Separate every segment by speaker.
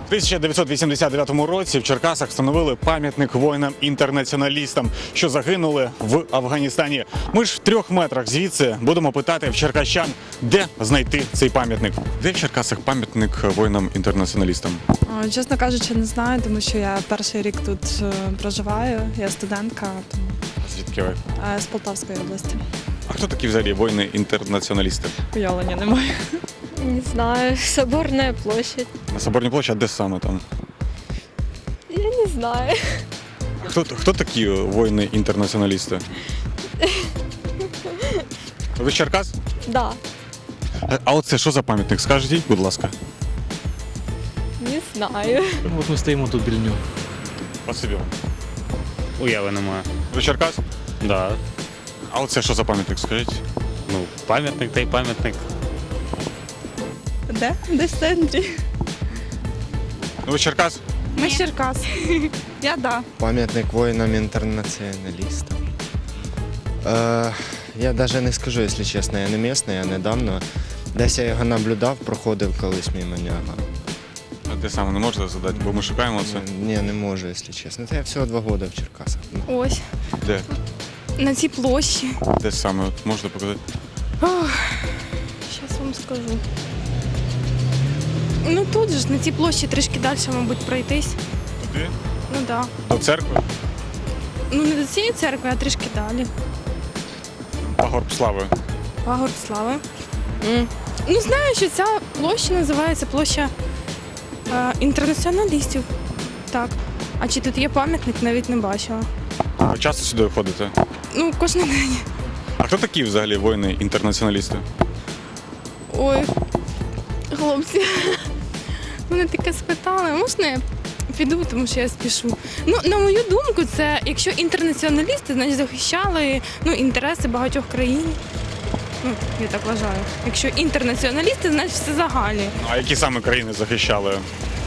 Speaker 1: У 1989 році в Черкасах встановили пам'ятник воїнам-інтернаціоналістам, що загинули в Афганістані. Ми ж в 3 метрах звідси будемо питати в черкащан, де знайти цей пам'ятник. Де в Черкасах пам'ятник воїнам-інтернаціоналістам?
Speaker 2: Чесно кажучи, не знаю, тому що я перший рік тут проживаю, я студентка тому,
Speaker 1: Звідки ви?
Speaker 2: з Полтавської області.
Speaker 1: А хто такі взагалі воїни-інтернаціоналісти?
Speaker 2: Уявлення немає.
Speaker 3: Не знаю, Соборная площадь.
Speaker 1: На Соборній площі, а де саме там?
Speaker 3: Я не знаю.
Speaker 1: Хто такі воїни-інтернаціоналісти? Ви з Черкас?
Speaker 3: Да,
Speaker 1: А оце що за пам'ятник? Скажіть, будь ласка.
Speaker 3: не знаю.
Speaker 4: От ми стоїмо тут біля нього.
Speaker 1: Спасибі вам.
Speaker 5: Уяви немає.
Speaker 1: Ви з Черкас?
Speaker 5: Да.
Speaker 1: А оце що за пам'ятник, скажіть?
Speaker 5: Ну, пам'ятник та й пам'ятник.
Speaker 2: Де? Десь в центрі.
Speaker 1: Ну, ви з Черкас?
Speaker 2: Ми з Черкас. Я да.
Speaker 6: Пам'ятник воїнам-інтернаціоналістам. Я навіть не скажу, якщо чесно, я не місний, я недавно. Десь я його наблюдав, проходив колись мимо нього.
Speaker 1: А де саме не можете задати, бо ми шукаємо це.
Speaker 6: Ні, не можу, якщо чесно. Та я всього 2 роки в Черкасах.
Speaker 2: Ось,
Speaker 1: Де?
Speaker 2: на цій площі.
Speaker 1: Де саме? От можете показати?
Speaker 2: Зараз вам скажу. Ну тут же ж, на цій площі трішки далі, мабуть, пройтись.
Speaker 1: Туди?
Speaker 2: Ну так. Да.
Speaker 1: До церкви?
Speaker 2: Ну не до цієї церкви, а трішки далі.
Speaker 1: Пагорб слави.
Speaker 2: Пагорб слави. Ну знаю, що ця площа називається площа інтернаціоналістів. Так. А чи тут є пам'ятник, навіть не бачила.
Speaker 1: Ви часто сюди ходите?
Speaker 2: Ну, кожен день.
Speaker 1: А хто такі взагалі воїни-інтернаціоналісти?
Speaker 2: Ой, хлопці, мене таке спитали. Можна я піду, тому що я спішу. Ну, на мою думку, це якщо інтернаціоналісти, значить захищали інтереси багатьох країн. Ну, я так вважаю. Якщо інтернаціоналісти, значить все загальне.
Speaker 1: А які саме країни захищали?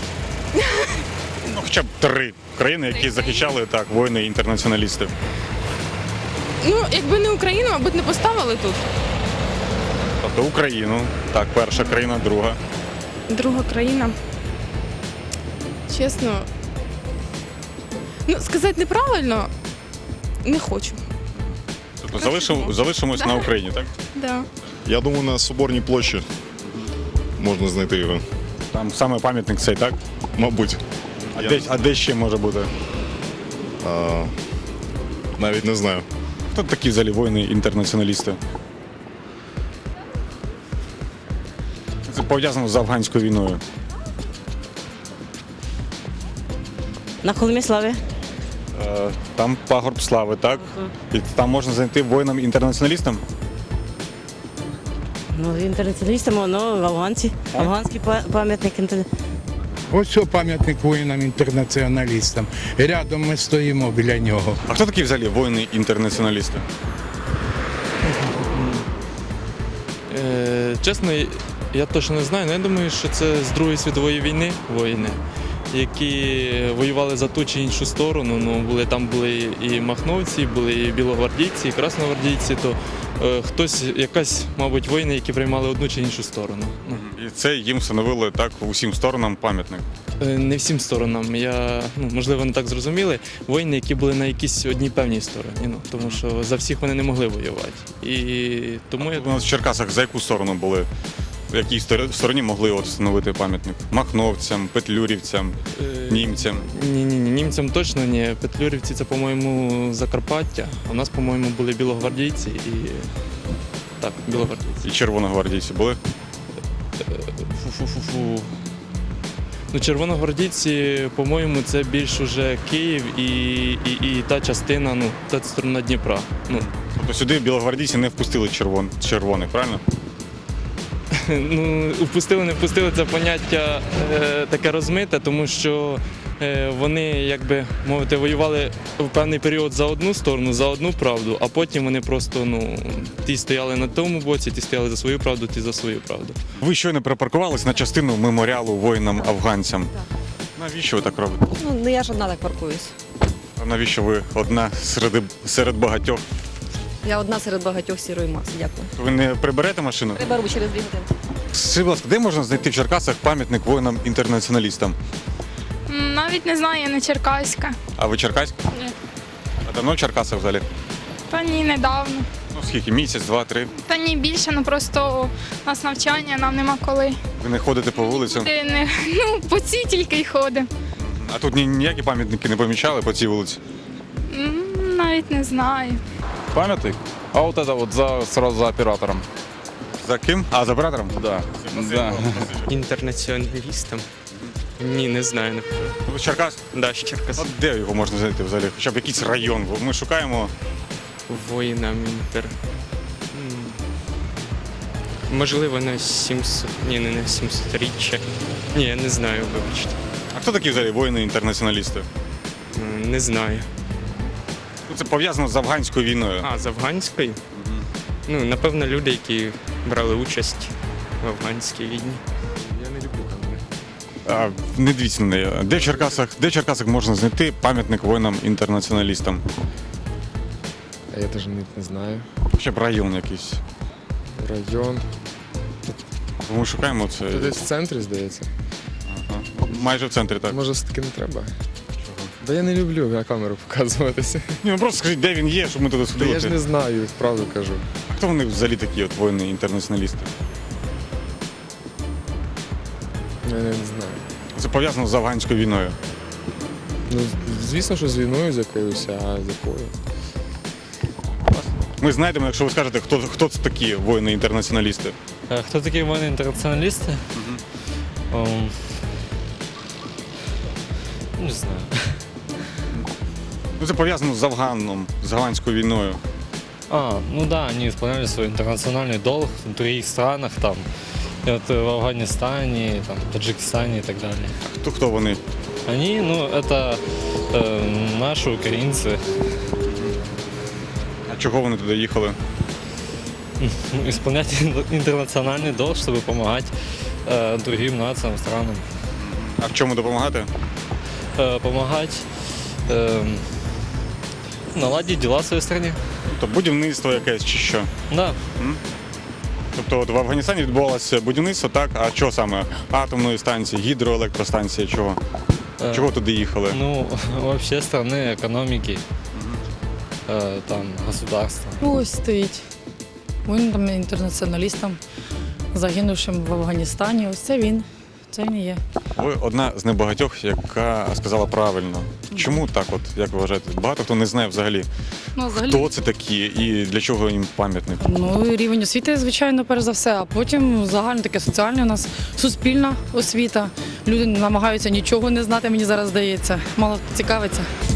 Speaker 1: Ну, хоча б 3 країни, які захищали так, воїни-інтернаціоналісти.
Speaker 2: Ну, якби не Україну, мабуть, не поставили тут.
Speaker 1: Тобто Україну, так, перша країна, друга.
Speaker 2: Друга країна. Чесно. Ну, сказати неправильно, не хочу.
Speaker 1: Тобто залишимось на Україні, так?
Speaker 2: Да.
Speaker 7: Я думаю, на Соборній площі можна знайти його.
Speaker 1: Там саме пам'ятник цей, так?
Speaker 7: Мабуть.
Speaker 1: А де ще може бути?
Speaker 7: Навіть не знаю.
Speaker 1: Хто такі взагалі воїни-інтернаціоналісти? Це пов'язано з афганською війною.
Speaker 8: На Холмі Слави.
Speaker 1: Там пагорб слави, так? І там можна знайти воїнам-інтернаціоналістам?
Speaker 8: Ну, інтернаціоналістам, ну, афганці. Афганський пам'ятник.
Speaker 9: Ось що пам'ятник воїнам-інтернаціоналістам. Рядом ми стоїмо біля нього.
Speaker 1: А хто такі взагалі воїни-інтернаціоналісти?
Speaker 4: Чесно, я точно не знаю, але я думаю, що це з Другої світової війни воїни, які воювали за ту чи іншу сторону. Ну, там були і махновці, були і білогвардійці, і красногвардійці, то хтось, якась, мабуть, воїни, які приймали одну чи іншу сторону. Ну.
Speaker 1: І це їм встановили так усім сторонам пам'ятник.
Speaker 4: Не всім сторонам. Можливо, не так зрозуміли. Воїни, які були на якійсь одній певній стороні, тому що за всіх вони не могли воювати. І тому
Speaker 1: У нас в Черкасах за яку сторону були? В якій стороні могли от встановити пам'ятник? Махновцям, петлюрівцям, німцям?
Speaker 4: Ні, німцям точно ні. Петлюрівці це, по-моєму, Закарпаття. А у нас, по-моєму, були білогвардійці і так, білогвардійці.
Speaker 1: І червоногвардійці були?
Speaker 4: Фу-фу-фу-фу. Ну, червоногвардійці, по-моєму, це більш уже Київ і та частина, та сторона Дніпра.
Speaker 1: Тобто сюди білогвардійці не впустили червоних, правильно?
Speaker 4: Ну, впустили, не впустили, це поняття таке розмите, тому що вони, як би мовити, воювали в певний період за одну сторону, за одну правду, а потім вони просто, ті стояли на тому боці, ті стояли за свою правду, ті за свою правду.
Speaker 1: Ви щойно припаркувались на частину меморіалу воїнам-афганцям. Навіщо ви так робите?
Speaker 3: Ну, я ж одна так паркуюсь.
Speaker 1: А навіщо ви одна серед багатьох?
Speaker 3: Я одна серед багатьох сірої маси, дякую.
Speaker 1: Ви не приберете машину?
Speaker 3: Приберу через 2 години.
Speaker 1: Скажіть, будь ласка, де можна знайти в Черкасах пам'ятник воїнам-інтернаціоналістам?
Speaker 2: Навіть не знаю, я не черкаська.
Speaker 1: А ви черкаська?
Speaker 2: Ні.
Speaker 1: А давно в Черкасах взагалі?
Speaker 2: Та ні, недавно.
Speaker 1: Ну скільки? Місяць, два, три?
Speaker 2: Та ні, більше, просто у нас навчання, нам нема коли.
Speaker 1: Ви не ходите по вулицям?
Speaker 2: Ти не, по цій тільки й ходимо.
Speaker 1: А тут ніякі пам'ятники не помічали по цій вулиці?
Speaker 2: Навіть не знаю.
Speaker 10: Памятник? А вот это вот сразу за оператором.
Speaker 1: За ким? А, за оператором?
Speaker 10: Да. Да.
Speaker 4: Інтернаціоналістам? Ні, не знаю.
Speaker 1: Ви з Черкас?
Speaker 4: Да, з Черкас.
Speaker 1: От де його можна знайти взагалі? Хоча б якийсь район. Бо ми шукаємо.
Speaker 4: Воїнам інтер. Можливо, на 700. Ні, не на 700-річчя. Ні, я не знаю, вибачте.
Speaker 1: А хто такі взагалі воїни-інтернаціоналісти?
Speaker 4: Не знаю.
Speaker 1: Ну, це пов'язано з афганською війною.
Speaker 4: А, з афганської? Ну, напевно, люди, які брали участь в афганській війні.
Speaker 10: Я не люблю камери.
Speaker 1: А, не дивіться на неї. Де в Черкасах можна знайти пам'ятник воїнам-інтернаціоналістам?
Speaker 10: Я теж не знаю.
Speaker 1: Хоча б район якийсь.
Speaker 10: Район.
Speaker 1: Ми шукаємо це.
Speaker 10: Це десь в центрі, здається.
Speaker 1: Ага. Майже в центрі, так.
Speaker 10: Може, все-таки не треба? Да я не люблю на камеру показуватися.
Speaker 1: Ні, ну просто скажіть, де він є, щоб ми туди
Speaker 10: Та
Speaker 1: сходили.
Speaker 10: я ж не знаю, правду кажу.
Speaker 1: А хто вони взагалі такі от воїни-інтернаціоналісти?
Speaker 10: Я не знаю.
Speaker 1: Це пов'язано з афганською війною.
Speaker 10: Ну, звісно, що з війною з якоюсь, а з якою?
Speaker 1: Ми знайдемо, якщо ви скажете, хто це такі воїни-інтернаціоналісти.
Speaker 11: Хто такі воїни інтернаціоналісти? Не знаю.
Speaker 1: Ну, це пов'язано з Афганом, з афганською війною.
Speaker 11: Ну да, они исполняли свой интернациональный долг в других странах, там, и вот в Афганистане, там, Таджикистане и так далее.
Speaker 1: А хто вони?
Speaker 11: Они, это наши украинцы,
Speaker 1: А чого вони туди їхали?
Speaker 11: исполнять интернациональный долг, чтобы помогать другим нациям, странам.
Speaker 1: А в чому допомагати?
Speaker 11: Помогать наладить дела в своей стране.
Speaker 1: Тобто будівництво якесь чи що?
Speaker 11: Да.
Speaker 1: Тобто от в Афганістані відбувалося будівництво, так? А що саме? Атомної станції, гідроелектростанції, чого? Чого туди їхали?
Speaker 11: Ну, вообще страны, экономики, там, государства.
Speaker 12: Ось стоїть. Воїнам інтернаціоналістам, загинувшим в Афганістані. Ось це він. Це він і є.
Speaker 1: Ви одна з небагатьох, яка сказала правильно. Чому так от, як ви вважаєте? Багато хто не знає взагалі, хто це такі і для чого їм пам'ятник?
Speaker 12: Ну, рівень освіти, звичайно, перш за все, а потім загально таке соціальне у нас суспільна освіта. Люди намагаються нічого не знати, мені зараз здається. Мало цікавиться.